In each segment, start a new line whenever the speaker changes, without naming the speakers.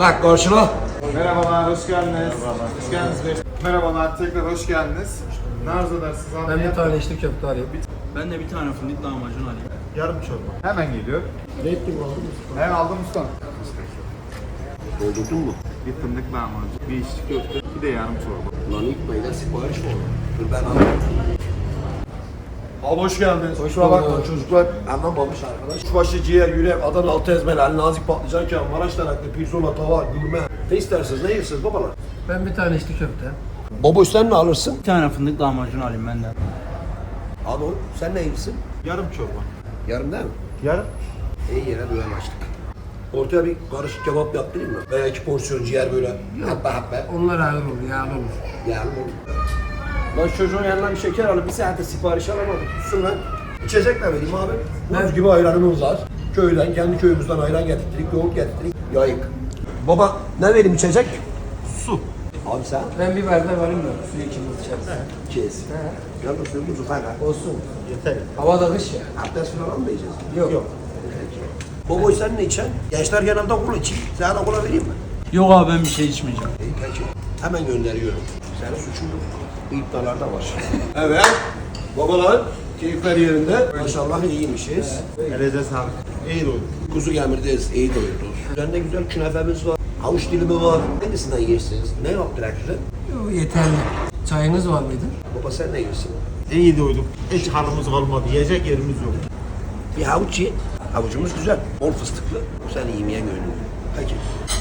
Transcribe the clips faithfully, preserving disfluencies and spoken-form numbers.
Bak karşına.
Merhabalar, hoş geldiniz. Merhabalar. Hoş geldiniz bey. Merhabalar, tekrar hoş geldiniz. Ne arzu edersiniz abi?
Ben bir tane içli köfte alayım.
Ben de bir tane fındık lahmacun alayım.
Yarım çorba. Hemen geliyor.
Red gibi oldu mu?
Hemen aldım ustam.
Doldurdun mu?
Bir fındık lahmacun, bir içli köfte, bir de yarım çorba.
Lan ilk beyler sipariş mi oldu? Dur ben alayım. Abi hoş geldiniz. Kusura bakmayın çocuklar. Anlamamış arkadaş. Kuşbaşı, ciğer, yürek, Adana altı ezmeli, Ali Nazik patlıcan, Maraş taraklı, pirzola, tava, gurme. Ne istersiniz, ne yersiniz babalar?
Ben bir tane içli köfte.
Baba sen ne alırsın?
Bir tane fındık lahmacun alayım ben de.
Abi oğlum sen ne yersin?
Yarım çorba.
Yarım değil mi?
Yarım?
İyi yere düğen açtık. Ortaya bir karışık kebap yaptırayım mı? Veya iki porsiyon ciğer böyle. Happe happe.
Onlar ağır olur, yağlı olur.
Yani bu. Lan çocuğun yanına bir şeker alıp bir saatte sipariş alamadık. Tutsun lan. İçecek ne vereyim abi? Buz gibi ayranımız var. Köyden, kendi köyümüzden ayran getirdik, yoğurt getirdik. Yayık. Baba ne vereyim içecek? Su. Abi sen?
Ben bir bardak alayım da suyu ikimiz içeriz.
Kes. Yalnız suyumuzu fena.
Olsun.
Yeter.
Hava da kış ya.
Abdest falan mı yiyeceğiz?
Yok.
Yok.
Baba sen ne içeceksin? Gençler yanında kola içeyim. Sana da kola vereyim mi?
Yok abi ben bir şey içmeyeceğim.
İyi peki. Hemen gönderiyorum. Senin suçun yok. Bu iptalarda var. Evet. Babalar keyifler yerinde. Maşallah iyiymişiz.
Elinize sağlık. İyi doyduk.
Kuzu gemirdeyiz, iyi doyurduk. Üzerinde güzel künefemiz var. Havuç dilimi var. Hangisinden yersiniz? Ne yaptılar size?
Yok, yeterli. Çayınız var mıydı?
Baba sen ne yersin?
İyi doyduk. Hiç halımız kalmadı. Yiyecek yerimiz yok.
Bir havuç ye. Havucumuz güzel. Bol fıstıklı. Sen yemeğe gönlüm. Peki.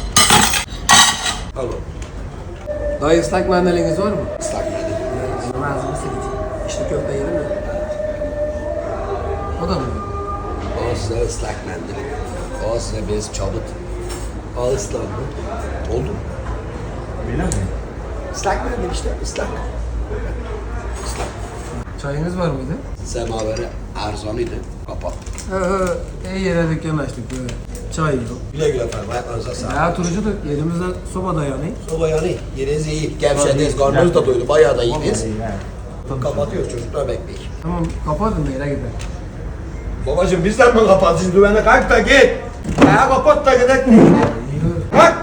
Al oğlum.
Dayı ıslak mandaliniz var mı?
Islak mendil.
Benim ağzımı sileceğim. İçli köfte yedim mi? O da mı?
O size ıslak mendil. O size bez çabut. Al ıslandı. Oldu mu?
Öyle mi?
Islak mendil işte. Islak. Islak.
Çayınız var mıydı?
Semaveri arzalıydı. Kapat.
Hı hı. İyi yere dükkan açtık böyle. Çay yok.
Güle güle efendim. Ayaklarınıza sağlık.
Ya turucu da elimizde soba dayanıyor.
Soba yanı. Yeriniz iyi. Gevşediniz. Karnınız da doydu. Bayağı da iyiyiz. Kapatıyoruz. Çocuklar bekleyin.
Tamam kapatın da yere gidelim.
Babacım bizden mi kapatacağız? Düğene kalk da git. Ya kapat da gidelim. Kalk.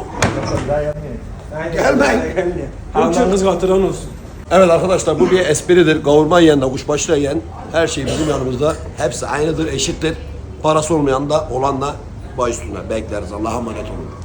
Gelmeyin.
Allah'ınız katıran olsun.
Evet arkadaşlar bu bir espridir. Kavurma yiyen de kuşbaşı da yiyen her şey bizim yanımızda. Hepsi aynıdır, eşittir. Parası olmayan da olan da baş üstüne bekleriz. Allah'a emanet olun.